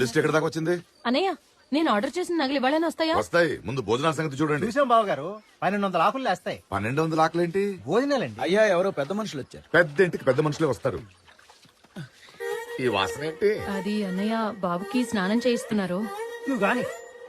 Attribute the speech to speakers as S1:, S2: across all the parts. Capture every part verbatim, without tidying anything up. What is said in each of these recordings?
S1: List ఎక్కడ దాకా వచ్చింది?
S2: అనయ్య నేను ఆర్డర్ చేసిన నగలు ఇవ్వాలని వస్తాయా?
S1: వస్తాయి. ముందు భోజనాల సంగతి చూడండి.
S3: చూసాం బావ గారు, పన్నెండు వందల ఆకులు వేస్తాయి.
S1: పన్నెండు వందల ఆకలేంటి?
S3: భోజనాలండి.
S4: అయ్యా ఎవరో పెద్ద మనుషులు వచ్చారు.
S1: పెద్ద ఇంటికి పెద్ద మనుషులే వస్తారు. ఈ వాసన ఏంటి?
S2: అది అన్నయ్య బాబుకి స్నానం చేయిస్తున్నారు.
S3: నువ్వు గాని.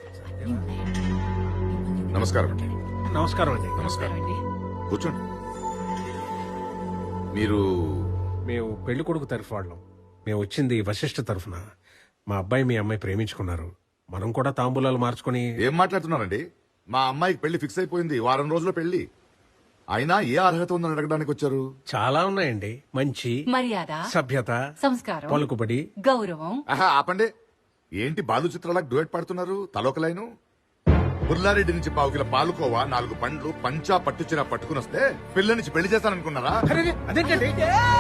S1: నమస్కారం అండి.
S3: నమస్కారం అండి.
S1: నమస్కారం. కూర్చోండి. మీరు
S5: మేము పెళ్లి కొడుకు తరఫు వాళ్ళం. మేము వచ్చింది వశిష్ఠ తరఫున. మా అబ్బాయి మీ అమ్మాయి ప్రేమించుకున్నారు. మనం కూడా తాంబూలాలు మార్చుకుని.
S1: ఏం మాట్లాడుతున్నారండి? మా అమ్మాయికి పెళ్లి ఫిక్స్ అయిపోయింది. వారం రోజుల్లో పెళ్లి. అయినా ఏ అర్హత ఉందని అడగడానికి వచ్చారు?
S5: చాలా ఉన్నాయండి. మంచి
S6: మర్యాద,
S5: సభ్యత,
S6: సంస్కారం,
S5: పలుకుబడి,
S6: గౌరవం.
S1: ఆహా ఆపండి. ఏంటి బాలు చిత్రాలకు డ్యూయట్ పాడుతున్నారు? తలొక లైను. పుల్లారెడ్డి నుంచి పావు కిలో పాలుకోవా, నాలుగు పండ్లు, పంచా పట్టుచిన పట్టుకుని వస్తే పిల్ల నుంచి పెళ్లి చేస్తాననుకున్నారా?
S5: అదేంటండి?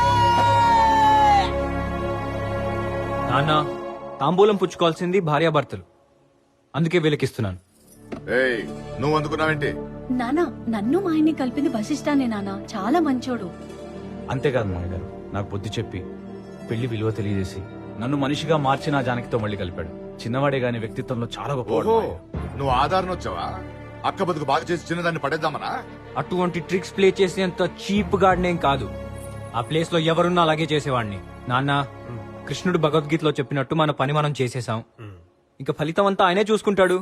S7: నాన్న, తాంబూలం పుచ్చుకోవాల్సింది భార్యాభర్తలు, అందుకే వీళ్ళకిస్తున్నాను.
S1: ఏయ్, నువ్వు అందుకున్నావేంటి?
S8: నానా, నన్ను మా ఆయన్ని కలిపింది వశిష్ఠానే నానా, చాలా మంచోడు.
S7: అంతేకాదు మామయ్య గారు, నాకు బుద్ధి చెప్పి పెళ్లి విలువ తెలియజేసి నన్ను మనిషిగా మార్చి నా జానకితో మళ్ళీ కలిపాడు. చిన్నవాడే గాని వ్యక్తిత్వంలో చాలా గొప్పవాడు.
S1: ఓహో, నువ్వు ఆధారణ వచ్చావా? అక్క బతుకు బాగా చేసి చిన్నదాన్ని పడేద్దామనా?
S7: అటువంటి ట్రిక్స్ ప్లే చేసేంత చీప్ గాడినేం కాదు. ఆ ప్లేస్ లో ఎవరున్నా అలాగే చేసేవాడిని. నాన్న, కృష్ణుడు భగవద్గీతలో చెప్పినట్టు మన పని మనం చేసేసాం. ఇంకా ఫలితం అంతా ఆయనే చూసుకుంటాడు.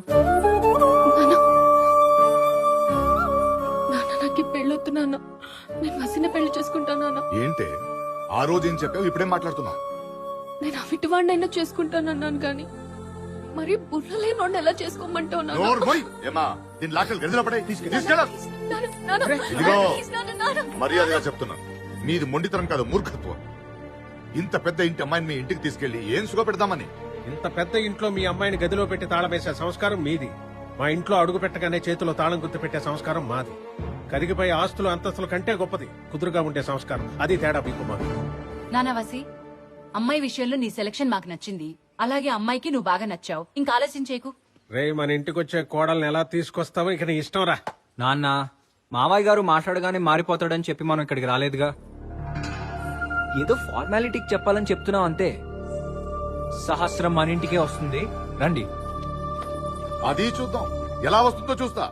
S2: పెళ్ళొద్దు నాన్న, నేను వసిన పెళ్లి చేసుకుంటానా?
S1: ఏంటే ఆ రోజు ఏం చెప్పావు, ఇప్పుడేం మాట్లాడుతున్నావు?
S2: నేను అవిటివాడినైనా చేసుకుంటానన్నాను కానీ మరి బుర్రలేనోడిని ఎలా చేసుకోమంటావు నాన్న?
S1: నోరు మూయ్. ఏమా, దీని లాకలు గదిలో పడే తీసుకెళ్ళ.
S2: నాన్న, నాన్న,
S1: ఇదిగో
S2: ప్లీజ్ నాన్న, నాన్న.
S1: మర్యాదగా చెప్తున్నా, మీది మొండితనం కాదు, మూర్ఖత్వం. ఇంత పెద్ద ఇంటి అమ్మాయిని మీ ఇంటికి తీసుకెళ్లి ఏం సుఖ పెడదామని?
S5: ఇంత పెద్ద ఇంట్లో మీ అమ్మాయిని గదిలో పెట్టి తాళం వేసే సంస్కారం మీది. మా ఇంట్లో అడుగు పెట్టగానే చేతిలో తాళం గుర్తు పెట్టే సంస్కారం మాది. కరిగిపోయే ఆస్తులు అంతస్తుల కంటే గొప్పది కుదురుగా ఉండే సంస్కారం. అది తేడా మీకు మాకు.
S6: నానావాసి, అమ్మాయి విషయంలో నీ సెలక్షన్ మాకు నచ్చింది. అలాగే అమ్మాయికి నువ్వు బాగా నచ్చావు. ఇంకా ఆలస్యం చేయకు.
S5: రే, మన ఇంటికి వచ్చే కోడల్ని ఎలా తీసుకొస్తావో ఇక నీ ఇష్టం రా.
S7: నాన్న, మావయ్య గారు మాట్లాడగానే మారిపోతాడని చెప్పి మనం ఇక్కడికి రాలేదుగా. ఏదో ఫార్మాలిటీకి చెప్పాలని చెప్తున్నాం అంతే. సహస్రం మన ఇంటికే వస్తుంది, రండి.
S1: అది చూద్దాం, ఎలా వస్తుందో చూస్తా.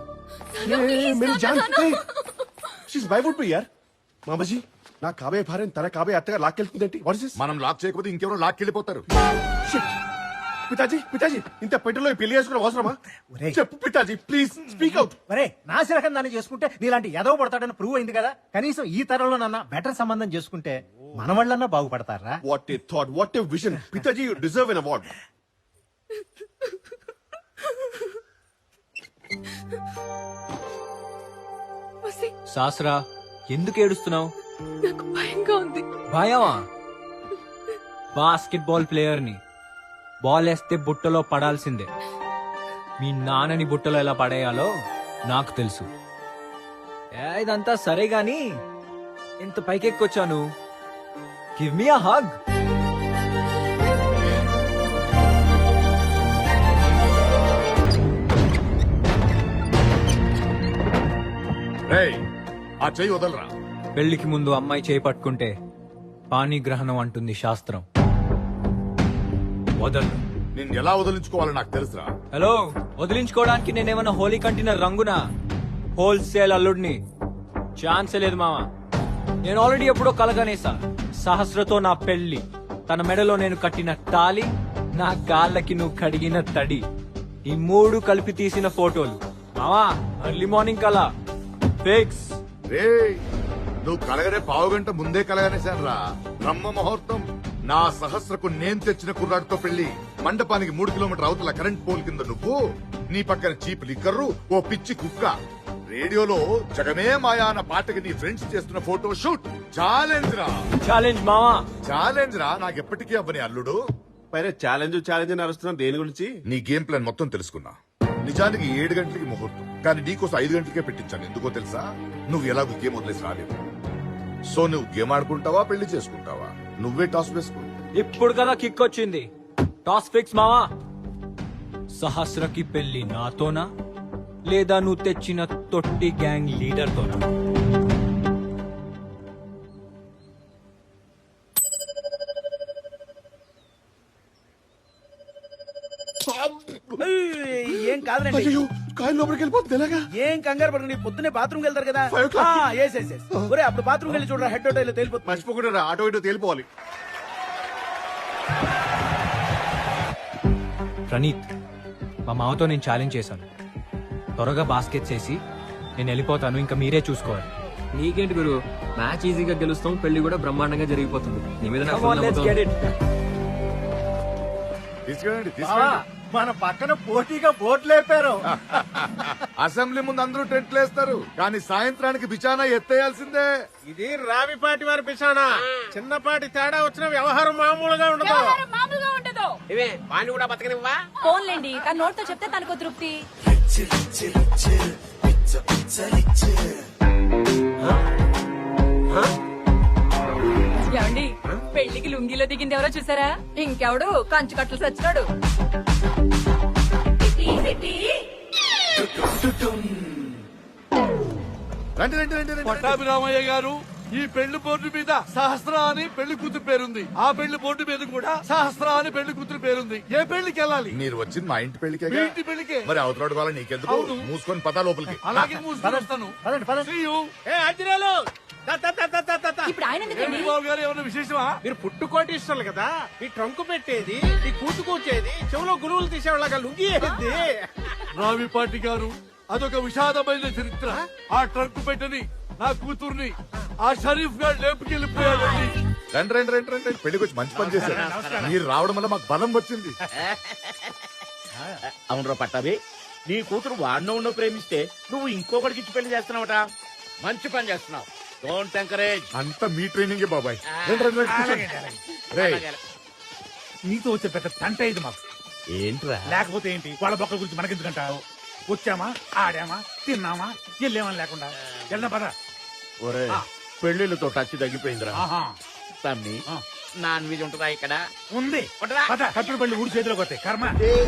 S9: మామజీ, నా కాబోయే భార్య తన కాబోయే అత్తగా లాక్కెళ్తుందేంటి?
S1: మనం లాక్ చేయకపోతే ఇంకెవరో లాక్కెళ్ళిపోతారు.
S9: పితాజీ, పితాజీ, ఇంత పెట్టెలో ఈ పెళ్లి చేసుకున్న అవసరమా?
S3: ఒరేయ్.
S9: చెప్పు పితాజీ, ప్లీజ్ స్పీక్ అవుట్.
S3: ఒరే, నా శిలకం దాన్ని చేసుకుంటే నీలాంటి ఎదవ పడతాడని ప్రూవ్ అయింది కదా. కనీసం ఈ తరంలో నన్న బెటర్ సంబంధం చేసుకుంటే మన వాళ్ళన్నా బాగుపడతారా?
S9: What a thought, what a vision. పితాజీ, యు డిజర్వ్ ఎన్ అవార్డ్.
S7: శాస్త్రా, ఎందుకు ఏడుస్తున్నావు?
S2: నాకు భయంగా ఉంది.
S7: భయమా? బాస్కెట్ బాల్ ప్లేయర్ ని బాల్ వేస్తే బుట్టలో పడాల్సిందే. మీ నాన్నని బుట్టలో ఎలా పడేయాలో నాకు తెలుసు. ఏ, ఇదంతా సరే గాని ఇంత పైకెక్కొచ్చాను. Give me a hug.
S1: రేయ్, ఆ చెయ్యి వదలరా.
S7: పెళ్లికి ముందు అమ్మాయి చేయి పట్టుకుంటే పాణిగ్రహణం అంటుంది శాస్త్రం. వదలు.
S1: నిన్ను ఎలా వదిలించుకోవాలో నాకు తెలుసురా.
S7: హలో, వదిలించుకోవడానికి నేనేమన్నా హోలీ కంటిన రంగునా? హోల్సేల్ అల్లుడిని. ఛాన్సే లేదు మామ. నేను ఆల్రెడీ ఎప్పుడో కలగనేసా. సహస్రతో నా పెళ్లి, తన మెడలో నేను కట్టిన తాలి, నా కాళ్ళకి నువ్వు కడిగిన తడి, ఈ మూడు కలిపి తీసిన ఫోటోలు. మామా, ఎర్లీ మార్నింగ్ కలా ఫిక్స్.
S1: రేయ్, నువ్వు కలగనే పావు గంట ముందే కలగనేశానురా. బ్రహ్మ ముహూర్తం. నా సహస్రకు నేను తెచ్చిన కుర్రాడితో పెళ్లి. మండపానికి మూడు కిలోమీటర్ అవతల కరెంట్ పోల్ కింద నువ్వు, నీ పక్కన చీప్ లిక్కర్రు, ఓ పిచ్చి కుక్క. రేడియోలో జగమే మాయా అన్న పాటకి నీ ఫ్రెండ్స్ చేస్తున్న ఫోటో షూట్. ఛాలెంజ్ రా.
S7: ఛాలెంజ్ మామా,
S1: ఛాలెంజ్ రా. నాకెప్పటికీ అవ్వని అల్లుడు.
S9: పైన ఛాలెంజ్ ఛాలెంజ్ అని అరుస్తున్నాం దేని గురించి?
S1: నీ గేమ్ ప్లాన్ మొత్తం తెలుసుకున్నా. నిజానికి ఏడు గంటలకి ముహూర్తం, కానీ నీకోసం ఐదు గంటలకే పెట్టించాను. ఎందుకో తెలుసా? నువ్వు ఎలాగో గేమ్ వదిలేసి రాలేదు. సో నువ్వు గేమ్ ఆడుకుంటావా, పెళ్లి చేసుకుంటావా? నువ్వే టాస్ వేసుకో.
S7: ఇప్పుడు కదా కిక్ వచ్చింది. టాస్ ఫిక్స్ మావా. సహస్రకి పెళ్లి నాతోనా, లేదా నువ్వు తెచ్చిన తొట్టి గ్యాంగ్ లీడర్ తోనా?
S4: ఏం కాదులేండి
S9: అయ్యో కాయలు లోపలికి వెళ్ళిపోతుంది ఎలాగా
S4: ఏం కంగారు పడకండి పొద్దునే బాత్రూమ్ వెళ్తారు కదా
S9: Five o'clock.
S4: ఆ, yes, yes, yes. ఒరే అప్పుడు బాత్రూమ్ వెళ్ళి చూడరా హెడ్ హోటల్ తేలిపోతుంది
S9: మర్చిపోకుండా రా, ఆటో ఇటో తేలిపోవాలి.
S7: ప్రణీత్ మా మామతో నేను ఛాలెంజ్ చేశాను. త్వరగా బాస్కెట్ చేసి నేను వెళ్ళిపోతాను, ఇంకా మీరే చూసుకోవాలి.
S10: నీకేంటి గురు, మ్యాచ్ ఈజీగా గెలుస్తాం, పెళ్లి కూడా బ్రహ్మాండంగా జరిగిపోతుంది. నీ మీద నాకు full నమ్మకం ఉంది.
S1: తీసుకెళ్ళండి
S3: బావా,
S1: తీసుకెళ్ళండి
S3: మన పక్కన పోటీగా బోట్ లేపారు.
S1: అసెంబ్లీ ముందు అందరూ టెంట్లు వేస్తారు కానీ సాయంత్రానికి బిచానా ఎత్తేయాల్సిందే.
S5: ఇది రావిపాటి వారి పిసానా. చిన్నపాటి తేడా వచ్చిన వ్యవహారం మామూలుగా ఉండదు.
S6: మామూలుగా ఉండదు.
S4: ఇవే వాణ్ణి కూడా బతకనివ్వా
S6: ఫోన్లేండి, తన నోటితో చెప్తే తనకు తృప్తి. ఏమండి, పెళ్లికి లుంగిలో దిగింది ఎవరో చూసారా? ఇంకెవడు కంచు కట్టలు సచ్చినాడు.
S1: రండి రండి రండి రండి
S11: పట్టాభిరామయ్య గారు, ఈ పెళ్లి బోర్డు మీద సహస్ర అని పెళ్లి కూతురు పేరుంది. ఆ పెళ్లి బోర్డు మీద కూడా సహస్ర అని పెళ్లి కూతురు పేరుంది. ఏ పెళ్లికి వెళ్ళాలి?
S1: మీరు వచ్చింది మా ఇంటి పెళ్లికే
S11: మీ ఇంటి పెళ్లికే.
S1: మరి అవతరాడు వాళ్ళ నీకెందుకు?
S11: అవును.
S1: మూసుకొని పదా లోపలికి.
S11: అలాగే మూసుకొని వస్తాను.
S3: పదండి పదండి.
S11: See you.
S5: ఏ అజ్జిరాలు, దా, దా, దా, దా, దా, దా, దా.
S6: ఇప్పుడు ఆయన ఎందుకండి?
S11: ఏంటి బాబు గారు, ఏమైనా విశేషమా?
S5: మీరు పుట్టుకోటిస్తారు కదా, ఈ ట్రంకు పెట్టేది, ఈ కూతు కూర్చేది, చెవులో గురువులు తీసేవాళ్ళగా లుంగి వేసేది.
S11: రావిపాటి గారు, అదొక విషాదమైన చరిత్ర. ఆ ట్రక్ పెట్టని నా కూతుర్ని ఆ షరీఫ్ గారు లేపుకెళ్ళిపోయాడండి.
S1: రండి రండి రండి రండి పెళ్లికి వచ్చి మంచి పని చేశారు. మీరు రావడం వల్ల మాకు బలం వచ్చింది.
S4: అవునరా పట్టాభి, నీ కూతురు వాడినో ఉన్నో ప్రేమిస్తే నువ్వు ఇంకొకటికి ఇచ్చి పెళ్లి చేస్తున్నావట. మంచి పని చేస్తున్నావు. Don't encourage.
S1: అంతా మీ ట్రైనింగే బాబాయ్. రండి రండి రండి కూర్చోండి. రేయ్,
S9: నీతో వచ్చే పెద్ద తంట ఇది మాకు.
S4: ఏంట్రా
S9: లేకపోతే ఏంటి, వాళ్ళ బొక్కల గురించి మనకెందుకంటావు? వచ్చామా, ఆడామా, తిన్నామా, వెళ్ళామని లేకుండా వెళ్ళిన పద.
S4: ఒరే పెళ్లిళ్ళతో టచ్ తగ్గిపోయిందిరా.
S9: ఆహా,
S4: తమ్మి నాన్ వెజ్ ఉంటుందా ఇక్కడ?
S9: ఉంది.
S4: ఉంటుందా?
S9: పద, కట్టుడు పెళ్లి ఊడి చేతిలోకి వస్తాయి. కర్మ.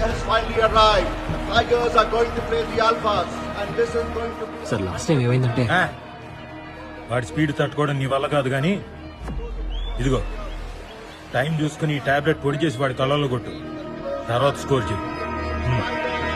S10: సార్ లాస్ట్ టైం ఏమైందంటే
S9: ఆ, వాడి స్పీడ్ తట్టుకోవడం నీ వల్ల కాదు గాని ఇదిగో టైం చూసుకుని ఈ టాబ్లెట్ పొడి చేసి వాడి కళ్ళల్లో కొట్టు. తర్వాత స్కోర్ చేయి. హ్మ్.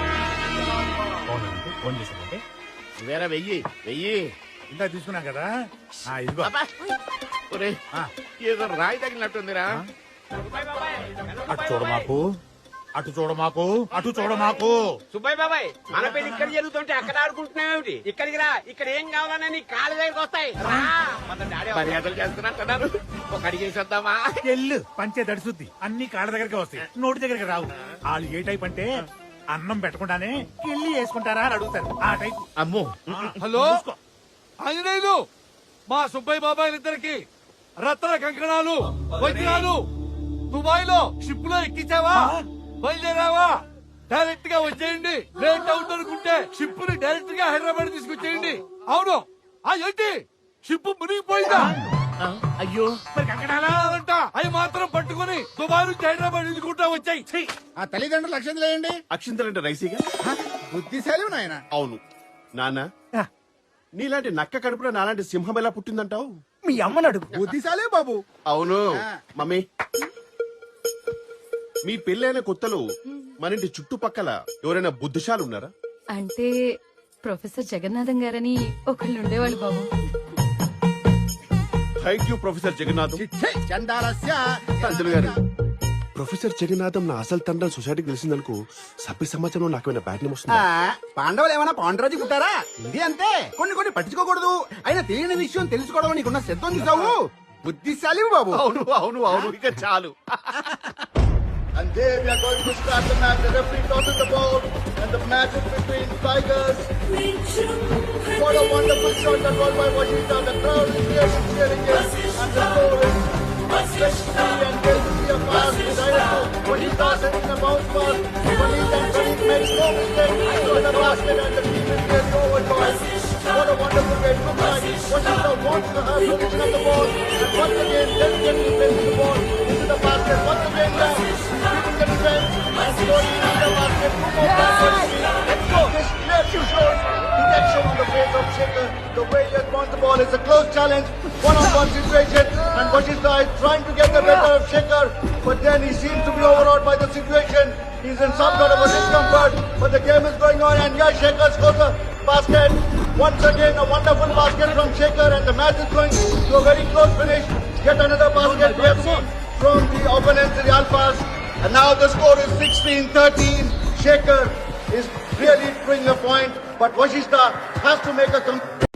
S9: ఫోన్ చేశానంటే
S4: వేరే వెయ్యి వెయ్యి
S9: ఇందా తీసుకున్నాం కదా. ఆ, ఇదిగో.
S4: అబ్బా. ఒరే
S9: ఆ.
S4: ఏదో రాయి తగిలినట్టుందిరా.
S9: అటు చూడ మాకు, అటు చూడ మాకు, అటు చూడ మాకు.
S4: సుబ్బయ్య బాబాయ్, మన పెళ్లి ఇక్కడ జరుగుతుంటే అక్కడ ఆడుకుంటున్నావు. ఇక్కడికి రా, ఇక్కడ ఏం కావాలన్నా నీ కాళ్ళ దగ్గరికి వస్తాయి. మర్యాదలు చేస్తున్నట్టున్నారు. ఒక అడిగేసేద్దామా?
S9: ఎల్లు పంచే దడిసుద్ది, అన్ని కాళ్ళ దగ్గరికి వస్తాయి, నోటి దగ్గరికి రావు. వాళ్ళు ఏ టైప్ అంటే అన్నం పెట్టకుండానే కిళ్ళి వేసుకుంటారా అని అడుగుతారు. ఆ టైప్.
S4: అమ్మో.
S11: హలో ఆంజనేయులు, మా సుబ్బయ్య బాబాయిలిద్దరికి రత్న కంకణాలు వజ్రాలు దుబాయ్ లో షిప్ లో ఎక్కించావా? బయలుదేరావా? డైరెక్ట్ గా వచ్చేయండి. లేట్ అవుతుందనుకుంటే షిప్ ని డైరెక్ట్ గా హైదరాబాద్ తీసుకొచ్చేయండి. అవును. ఆ ఏంటి, షిప్ మునిగిపోయిందా?
S4: అయ్యో
S11: మరి కంకణాలంట అవి మాత్రం పట్టుకుని దుబాయ్ నుంచి హైదరాబాద్ ఎదుర్కొంటా వచ్చాయి.
S9: ఆ తల్లిదండ్రులు అక్షంతలు వేయండి.
S12: అక్షింతలంటే రైసీగా?
S9: బుద్ధిశాలి నాయన.
S12: అవును నాన్న, నీలాంటి నక్క కడుపులో నాలాంటి సింహం ఎలా పుట్టిందంటావు?
S3: మీ అమ్మని అడుగు.
S9: బుద్ధిశాలే బాబు.
S12: అవును మమ్మీ, మీ పెళ్ళైన కొత్తలో మన ఇంటి చుట్టుపక్కల ఎవరైనా బుద్ధిశాలు ఉన్నారా?
S6: అంటే ప్రొఫెసర్ జగన్నాథం గారని ఒకళ్ళు ఉండేవాళ్ళు బాబు.
S12: Thank you professor Jagannatham.
S9: చందాలస్య
S12: పంతులు గారు, ప్రొఫెసర్ జగన్నాథం నా అసలు తండ్రి సొసైటీకి తెలిసిందనుకో, సభ్య సమాజంలో నాకేమైనా బ్యాడ్ నేమ్ వస్తుందా?
S9: పాండవులు ఏమైనా పాండరాజు పుట్టారా? ఇది అంతే, కొన్ని కొన్ని పట్టించుకోకూడదు. అయినా తెలియని విషయం తెలుసుకోవడం నీకున్న శ్రద్ధ చూసావు. బుద్ధిశాలి బాబు.
S12: అవును అవును అవును, ఇక చాలు.
S1: And there we are going to start the match. The referee tosses the ball, and the match is between Tigers. What a wonderful shot that was by Washita. The crowd is here cheering it, and the score is sixty. And there to see a pass decided to Washita sending a bounce pass. Puneet and Praneet made no mistake. So the basket, and the team is really overjoyed. What a wonderful way to look like. Washita wants to have possession of the ball, and once again delicately places the ball into the basket. Once again down. And scoring in the basket. Two more points. Let's go.
S13: shows dejection on the face of Shekhar. The way he has won the ball is a close challenge, one-on-one situation, and Vashishta is trying to get the better of Shekhar, but then he seems to be overawed by the situation. He's in some sort of a discomfort, but the game is going on, and yeah, Shekhar scores a basket. Once again, a wonderful basket from Shekhar, and the match is going to a very close finish. Yet another basket we have seen from the opponents, the Alphas, and now the score is sixteen thirteen. Shekhar is really doing a point, but Vashishta has to make a complete